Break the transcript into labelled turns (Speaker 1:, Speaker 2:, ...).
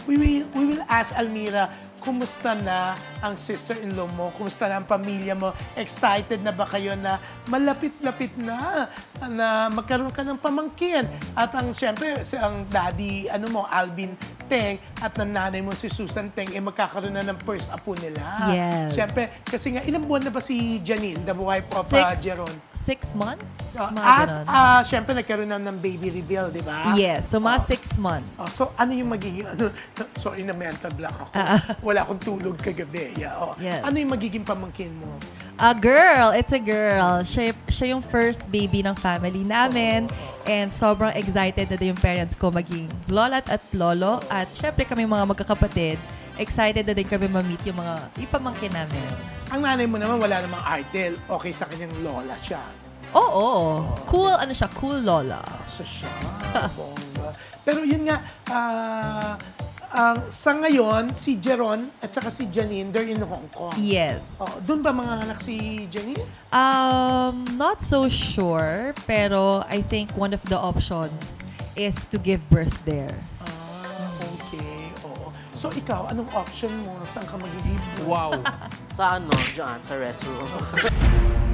Speaker 1: we will ask Almira, kumusta na ang sister-in-law mo? Kumusta na ang pamilya mo? Excited na ba kayo na malapit-lapit na magkaroon ka ng pamangkin? At syempre, ang daddy, Alvin Teng, at ang nanay mo si Susan Teng, magkakaroon na ng first apo nila.
Speaker 2: Yes.
Speaker 1: Syempre, kasi nga, ilang buwan na ba si Janine, the wife of Jeron?
Speaker 2: 6 months? Mga
Speaker 1: At
Speaker 2: ganon.
Speaker 1: syempre, nagkaroon na ng baby reveal, di ba?
Speaker 2: Yes, so mga 6 months.
Speaker 1: So, ano yung magiging, sorry na mental block ako. Wala akong tulog kagabi. Yeah,
Speaker 2: Yes.
Speaker 1: Ano yung magiging pamangkin mo?
Speaker 2: A girl, it's a girl. Siya yung first baby ng family namin. And sobrang excited na din yung parents ko maging lola at lolo. At syempre kami mga magkakapatid, excited na din kami ma-meet yung pamangkin namin.
Speaker 1: Ang nanay mo naman, wala namang idol. Okay sa kanyang lola siya.
Speaker 2: Oo. Cool, siya? Cool lola.
Speaker 1: So siya, bongga. Pero yun nga, sa ngayon, si Jeron at saka si Janine, they're in Hong Kong.
Speaker 2: Yes.
Speaker 1: Doon ba mga anak si Janine?
Speaker 2: Not so sure, pero I think one of the options is to give birth there.
Speaker 1: Okay. Oo. So ikaw, anong option mo? Saan ka magiging?
Speaker 3: Wow. Sa dyan, sa restroom.